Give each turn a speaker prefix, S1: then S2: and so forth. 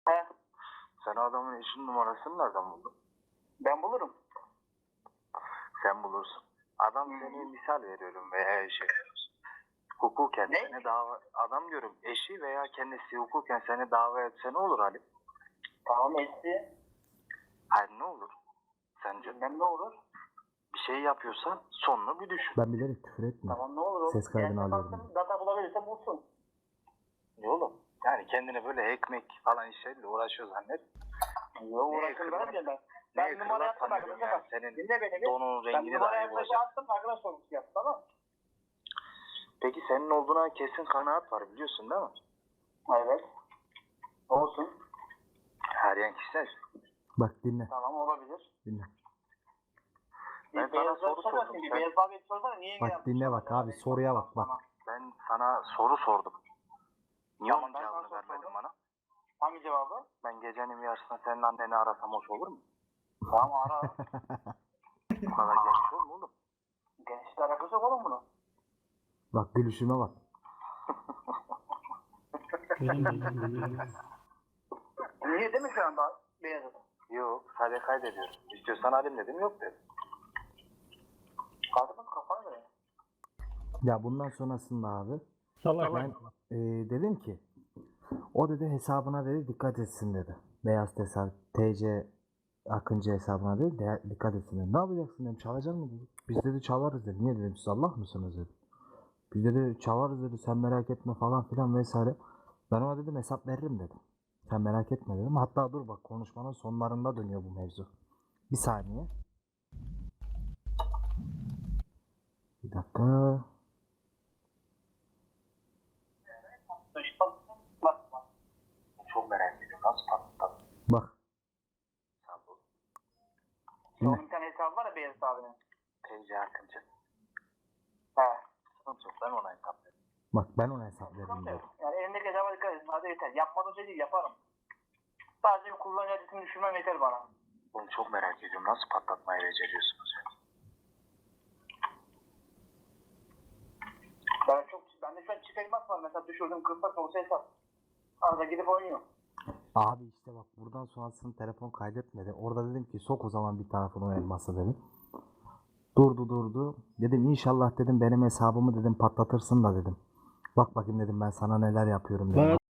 S1: He,
S2: Sen adamın eşinin numarasını nereden buldun?
S1: ben bulurum.
S2: Sen bulursun. Adam seni misal veriyorum veya eşi. Hukuken
S1: Ne?
S2: seni adam diyorum eşi veya kendisi hukuken seni dava etse ne olur Ali?
S1: Tamam etti.
S2: Hayır ne olur? Sence
S1: Bilmem ne olur.
S2: bir şey yapıyorsan sonunu bir düşün.
S3: Ben bilerek küfür etmiyorum.
S1: Tamam ne olur oğlum.
S3: Ses kaydını
S1: Kendine
S3: alıyorum.
S1: baksın, data bulabilirse bulsun.
S2: Ne oğlum? Yani kendini böyle ekmek falan işlerle uğraşıyor zannet.
S1: Yok uğraşın ben de ben. Ben numara yaptım arkadaşa bak.
S2: Senin
S1: Dinle beni bir.
S2: donun
S1: Ben
S2: rengini
S1: numara
S2: dahi
S1: arkadaşa
S2: bulacak.
S1: attım arkadaş sorgusu yaptı tamam mı?
S2: Peki senin olduğuna kesin kanaat var biliyorsun değil mi?
S1: Evet. Olsun.
S2: Her yan kişisel.
S3: Bak dinle.
S1: Tamam olabilir.
S3: Dinle.
S2: Ben sana
S1: Beyazlar
S2: soru
S1: sorarsın
S2: sordum.
S1: ki,
S2: Sen-
S1: Beyaz abi sorsana niye
S3: Bak dinle bak abi, soruya bak bak.
S2: Ben sana soru sordum. Niye
S1: Tamam,
S2: onun
S1: ben
S2: cevabını
S1: sana
S2: vermedin
S1: sordum.
S2: bana?
S1: Hangi cevabı?
S2: Ben gecenin bir yarısında senin anneni arasam hoş olur mu?
S1: Tamam ara.
S2: Bu kadar geniş olur mu oğlum?
S1: Gençler alakası yok oğlum bunu.
S3: Bak gülüşüme bak.
S1: Niye değil mi şu anda Beyaz adam?
S2: Yok sadece kaydediyorum. İstiyorsan alayım dedim yok dedim.
S1: Kadının kafana göre.
S3: Ya bundan sonrasında abi
S4: Salak.
S3: ben dedim ki o dedi hesabına dedi dikkat etsin dedi. Beyaz hesap TC Akıncı hesabına dedi dikkat etsin dedi. Ne yapacaksın dedim, çalacak mı dedi. Biz dedi çalarız dedi. Niye dedim, siz Allah mısınız dedi. Biz dedi çalarız dedi, sen merak etme falan filan vesaire. Ben ona dedim hesap veririm dedim. Sen merak etme dedim. Hatta dur bak, konuşmanın sonlarında dönüyor bu mevzu. Bir saniye. Bir dakika.
S2: Çok merak ediyorum. Nasıl patlattın?
S3: Bak.
S2: Sen bu
S1: Onun bir tane hesabı var ya Beyaz abinin.
S2: TC Akıncı.
S1: He.
S2: Sıkıntı yok ben ona hesap veririm.
S3: Bak ben ona hesap veririm
S1: Sıkıntı
S3: diyor.
S1: yok. Yani elindeki hesaba dikkat edin. Hadi yeter. Yapmadığım şey değil yaparım. Sadece bir kullanıcı adresini düşürmem yeter bana.
S2: Bunu çok merak ediyorum. Nasıl patlatmayı beceriyorsunuz ya?
S1: Bende şu an çift elmas var. Mesela düşürdüm kırsa olsa hesap. Arada gidip oynuyor.
S3: Abi işte bak, buradan sonrasını telefon kaydetmedi. Orada dedim ki sok o zaman bir tarafını o elması dedim. Durdu. Dedim inşallah dedim benim hesabımı dedim patlatırsın da dedim. Bak bakayım dedim ben sana neler yapıyorum dedim.